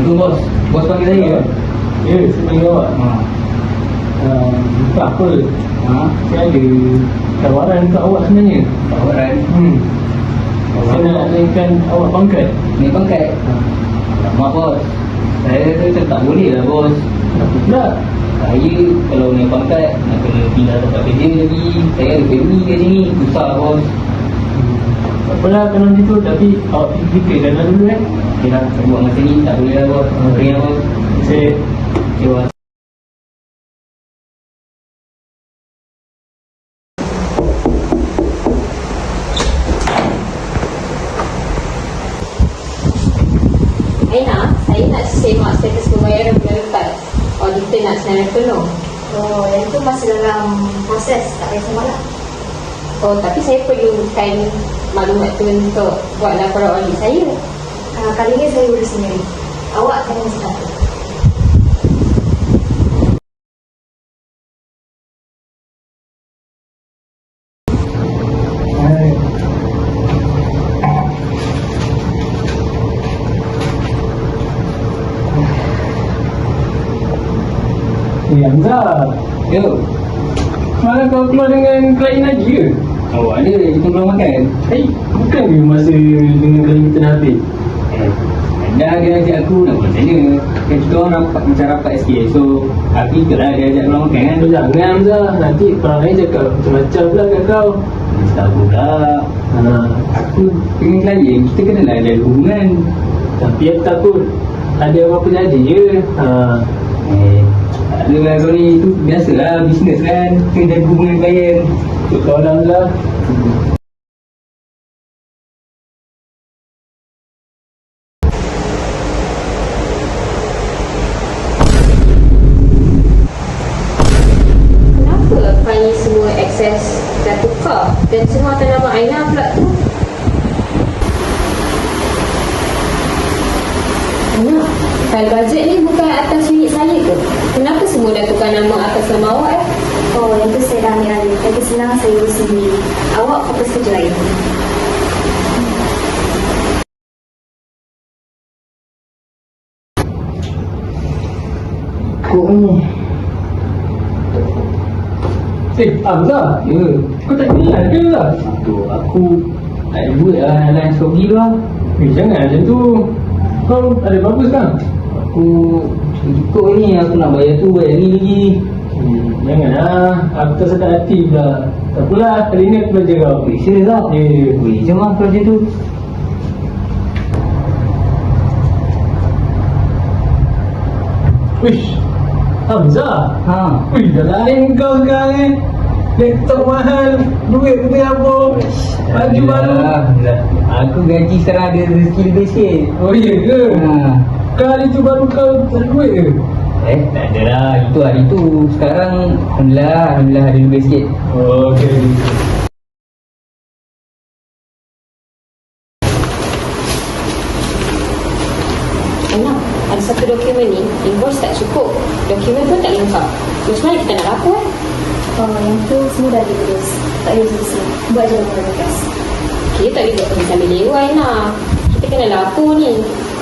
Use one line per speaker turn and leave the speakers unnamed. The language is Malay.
Itu bos. Bos panggil saya ke?
Ya, saya panggil awak. Bukan apa. Saya ada tawaran untuk awak sebenarnya.
Tawaran.
Saya nak naikkan awak pangkat.
Ni pangkat. Alamak bos. Saya kata tak boleh lah bos.
Kenapa pula?
Saya kalau naik pangkat nak kena pindah tempat kerja lagi. Saya ada family kat sini. Susah bos.
Tak apalah kalau macam tu. Tapi awak fikirkan dulu
Okay lah, saya buat masa ni tak boleh lah bos. Sorry lah bos.
Saya
Okay bos.
Aina, saya nak semak status pembayaran bulan lepas. Auditor nak senarai penuh.
Oh, yang itu masih dalam proses, tak payah semalam.
Oh, tapi saya perlukan maklumat tu untuk buat laporan audit saya.
Kali ini saya urus sendiri. Awak kena satu.
Hamzah.
Yo.
Semalam kau keluar dengan klien lagi ke?
Awak ada kita keluar makan?
Bukan ke masa dengan klien kita dah habis?
Dah dia ajak aku nak buat tanya. Kan kita orang rapat, macam rapat SK. So aku ikutlah dia ajak keluar makan kan.
Jangan Hamzah, nanti orang lain cakap macam-macam pula kat kau.
Tak tahu pula. Aku dengan klien kita kena lah ada hubungan.
Tapi aku takut ada apa-apa jadi je.
Tak ada lah kau ni. Itu biasalah bisnes kan. Kena jaga hubungan klien.
Untuk kau lah Hamzah.
Kenapa Fani semua akses dah tukar dan semua atas nama Aina pula tu? Aina, file bajet ni bukan atas unit saya ke? Kenapa semua dah tukar nama atas nama awak
Oh, yang itu saya dah ambil alih. Lagi senang saya urus sendiri. Awak fokus kerja lain.
Kok ni? Hamzah.
Ya.
Kau tak kenal ke Hamzah?
Tu aku tak ada duit lah lain sogi tu lah.
Jangan macam tu. Kau ada apa sekarang?
Aku cukup ni aku nak bayar tu bayar ni lagi.
Janganlah. Aku tak sedar hati pula. Tak apalah, kali ni aku belajar kau.
Serius tak?
Ya.
Boleh je lah kerja tu.
Wish, Hamzah. Wih, dah lain kau sekarang Laptop mahal, duit pun apa. Baju baru.
Aku gaji sekarang ada rezeki lebih sikit.
Oh iya ke? Kali tu baru kau tak ada duit ke?
Tak ada lah. Itu hari tu. Sekarang Alhamdulillah ada lebih sikit.
Oh, okey.
Aina, ada satu dokumen ni, invoice tak cukup. Dokumen pun tak lengkap. Macam mana kita nak lapor?
Oh, yang itu semua dah diurus. Tak payah pusing. Buat je laporan bekas.
Kita tak boleh buat sambil lewat Aina. Kita kena lapor ni.